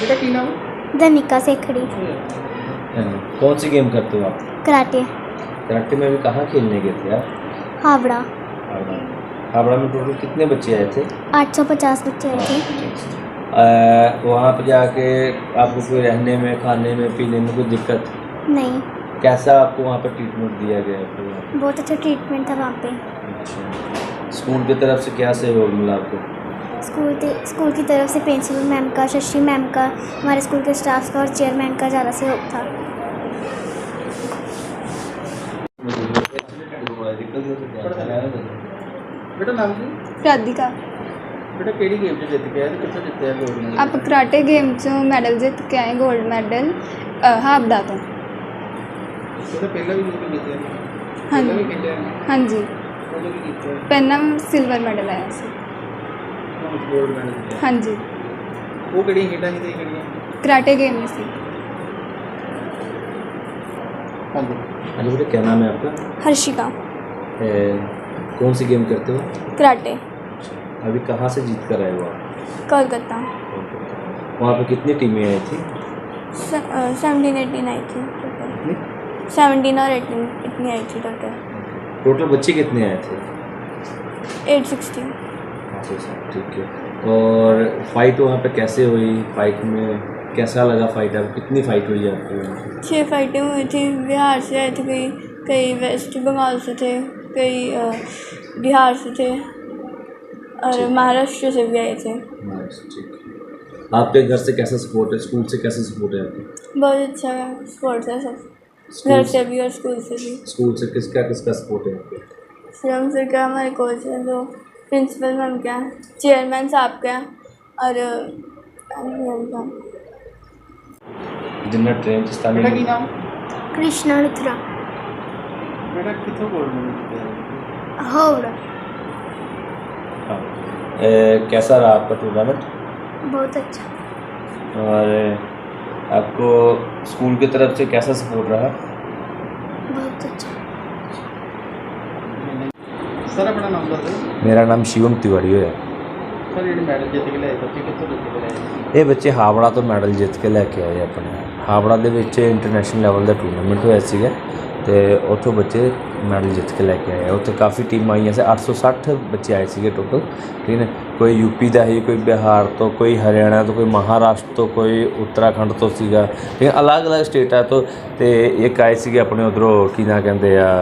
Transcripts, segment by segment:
बेटा की नाम? धनिका सेखड़ी। कौन सी गेम करते हो आप? कराटे। कराटे में अभी कहाँ खेलने गए थे आप? हावड़ा। हावड़ा। हावड़ा में टोटल कितने बच्चे आए थे? 850 बच्चे आए थे। वहाँ पे जाके आपको कोई रहने में, खाने में, पीने में कोई दिक्कत? नहीं, कैसा आपको वहाँ पर ट्रीटमेंट दिया गया आपको? बहुत अच्छा ट्रीटमेंट था वहाँ पे। अच्छा, स्कूल की तरफ से क्या सहयोग मिला आपको? स्कूल की तरफ से प्रिंसिपल मैम का, शशि मैम का, हमारे स्कूल के स्टाफ का और चेयरमैन का ज़्यादा सहयोग था। बेटा नाम की? राधिका। बेटा केड़ी गेम च जित के आए ते कित्थों जित्ते आ गोल्ड? आप कराटे गेम चों मैडल जित के आए, गोल्ड मैडल हाबड़ा तो। बेटा पहला भी जित जीते हैं? हाँ पहला भी जी, खेले हैं? हाँ जी। उਦੋਂ ਵੀ ਕੀਤਾ ਹੈ? पहला सिल्वर मैडल आया सी। ਹੁਣ ਗੋਲਡ ਮੈਡਲ ਜਿੱਤਿਆ। हाँ जी, ਉਹ ਕਿਹੜੀਆਂ ਖੇਡਾਂ ਸੀ ਤੇ ਕਿਹੜੀਆਂ? कराटे गेम में सी। ਹਾਂਜੀ। हाँ जी बेटा, क्या नाम है आपका? हर्षिका। कौन सी गेम करते हो? कराटे। अभी कहाँ से जीत कर आए हो आप? कोलकाता। वहाँ पे कितनी टीमें आई थी? 17-18 आई थी टोटल। 17 और 18 इतनी आई थी टोटल। टोटल बच्चे कितने आए थे? 860। अच्छा, ठीक है। और फाइट वहाँ पे कैसे हुई? फाइट में कैसा लगा फाइट? आपको कितनी फाइट हुई आपको? 6 फाइटें हुई थी। बिहार से आए थे कई वेस्ट बंगाल से थे, कई बिहार से थे और महाराष्ट्र से भी आए थे। ठीक है। आपके घर से कैसा सपोर्ट है? स्कूल से कैसा सपोर्ट है आपको? बहुत अच्छा स्पोर्ट्स है सब, घर से भी और स्कूल से भी। स्कूल से किसका सपोर्ट है आपको? श्रम सर का, हमारे कोच हैं, जो प्रिंसिपल मैम क्या, चेयरमैन साहब क्या और मैम का। जिन्ना ट्रेन से बेटा की नाम? कृष्णा लुथरा। बेटा कित्थों गोल्ड मैडल जित्तिया? हावड़ा। हाँ। कैसा रहा आपका टूर्नामेंट? बहुत अच्छा। और आपको स्कूल की तरफ से कैसा सपोर्ट रहा? बहुत अच्छा। सर अपना नाम दस। मेरा नाम शिवम तिवारी है। सर ਜਿਹੜੇ ਮੈਡਲ ਜਿੱਤ ਕੇ ਲਿਆਏ ਬੱਚੇ ਕਿੱਥੋਂ ਜਿੱਤ ਕੇ ਲਿਆਏ? ਇਹ ਬੱਚੇ ਹਾਵੜਾ ਤੋਂ ਮੈਡਲ ਜਿੱਤ ਕੇ ਲੈ ਕੇ ਆਏ ਆਪਣੇ। ਹਾਵੜਾ ਦੇ ਵਿੱਚ ਇੰਟਰਨੈਸ਼ਨਲ ਲੈਵਲ ਦਾ ਟੂਰਨਾਮੈਂਟ ਹੋਇਆ ਸੀਗਾ ਅਤੇ ਉੱਥੋਂ ਬੱਚੇ ਮੈਡਲ ਜਿੱਤ ਕੇ ਲੈ ਕੇ ਆਏ। ਉੱਥੇ ਕਾਫੀ ਟੀਮਾਂ ਆਈਆਂ ਸੀ, 860 ਬੱਚੇ ਆਏ ਸੀਗੇ ਟੋਟਲ। ਠੀਕ ਹੈ, ਕੋਈ ਯੂਪੀ ਦਾ ਸੀ, ਕੋਈ ਬਿਹਾਰ ਤੋਂ, ਕੋਈ ਹਰਿਆਣਾ ਤੋਂ, ਕੋਈ ਮਹਾਰਾਸ਼ਟਰ ਤੋਂ, ਕੋਈ ਉੱਤਰਾਖੰਡ ਤੋਂ ਸੀਗਾ। ਠੀਕ ਹੈ, ਅਲੱਗ-ਅਲੱਗ ਸਟੇਟਾਂ ਤੋਂ। ਅਤੇ ਇੱਕ ਆਏ ਸੀਗੇ ਆਪਣੇ ਉੱਧਰੋਂ, ਕੀ ਨਾਂ ਕਹਿੰਦੇ ਆ,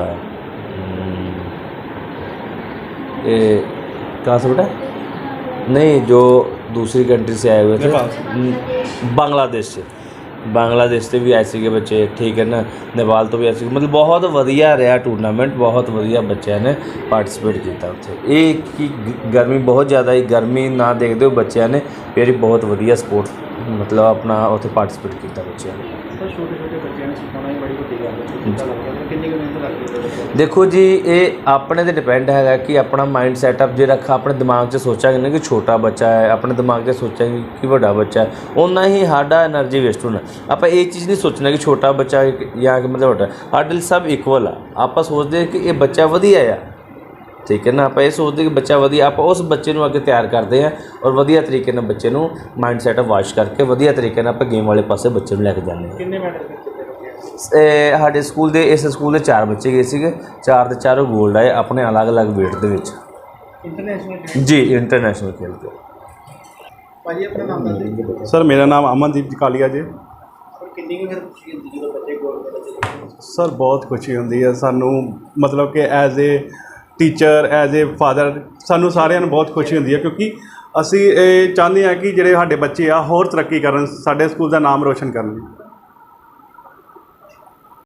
ਇਹ कहाँ से बेटा? नहीं, जो दूसरी कंट्री से आए हुए थे, बांग्लादेश से भी आए थे बच्चे। ठीक है ना, नेपाल तो भी आए थे। मतलब बहुत वधिया रहा टूर्नामेंट, बहुत वधिया बच्चों ने पार्टिसिपेट किया उत्थे। एक कि गर्मी बहुत ज़्यादा ही, गर्मी ना देखते हो बच्चों ने फिर बहुत वधिया स्पोर्ट्स मतलब अपना उत्थे पार्टिसिपेट किया बच्चों ने। छोटे-छोटे बच्चों ने सिखाना ही बड़ी वड्डी गल है। कितना लगता है कितनी मेहनत लगती है? देखो जी, ये अपने ते डिपेंड है कि अपना माइंड सैटअप जो रखा अपने दिमाग 'ਚ सोचांगे ना कि छोटा बच्चा है, अपने दिमाग 'ਚ सोचांगे कि बड़ा बच्चा है, उन्ना ही साडा एनर्जी वेस्ट होना। आप ये चीज़ नहीं सोचना कि छोटा बच्चा या मतलब बड़ा, साडे लिए सब इक्वल आ। आप सोचते कि ये बच्चा वधिया आ, ठीक है ना, आप ये सोचते कि बच्चा वधिया, आप उस बच्चे को अगे तैयार करते हैं और वधिया तरीके नाल बच्चे को माइंड सैटअप वाश करके वधिया तरीके नाल आप गेम वाले पासे बच्चे को लैके जाते हैं। कितने मैडल जित्ते? ਸਾਡੇ ਸਕੂਲ ਦੇ, ਇਸ ਸਕੂਲ ਦੇ 4 ਬੱਚੇ ਗਏ ਸੀਗੇ, 4 ਦੇ 4 ਗੋਲਡ ਆਏ ਆਪਣੇ ਅਲੱਗ-ਅਲੱਗ ਵੇਟ ਦੇ ਵਿੱਚ। ਇੰਟਰਨੈਸ਼ਨਲ ਜੀ, ਇੰਟਰਨੈਸ਼ਨਲ ਖੇਲ ਕੇ। ਭਾਜੀ ਆਪਣਾ ਨਾਮ ਦੱਸ ਦਿਓ। ਸਰ ਮੇਰਾ ਨਾਮ ਅਮਨਦੀਪ ਕਾਲੀਆ ਜੀ। ਸਰ ਕਿੰਨੀ ਕੁ ਫਿਰ ਖੁਸ਼ੀ ਹੁੰਦੀ ਜਦੋਂ ਬੱਚੇ ਗੋਲਡ ਮੈਡਲ ਜਿੱਤਦੇ? ਸਰ ਬਹੁਤ ਖੁਸ਼ੀ ਹੁੰਦੀ ਹੈ ਸਾਨੂੰ, ਮਤਲਬ ਕਿ as a teacher, as a father, ਸਾਨੂੰ ਸਾਰਿਆਂ ਨੂੰ ਬਹੁਤ ਖੁਸ਼ੀ ਹੁੰਦੀ ਹੈ ਕਿਉਂਕਿ ਅਸੀਂ ਇਹ ਚਾਹੁੰਦੇ ਹਾਂ ਕਿ ਜਿਹੜੇ ਸਾਡੇ ਬੱਚੇ ਆ ਹੋਰ ਤਰੱਕੀ ਕਰਨ, ਸਾਡੇ ਸਕੂਲ ਦਾ ਨਾਮ ਰੋਸ਼ਨ ਕਰਨ।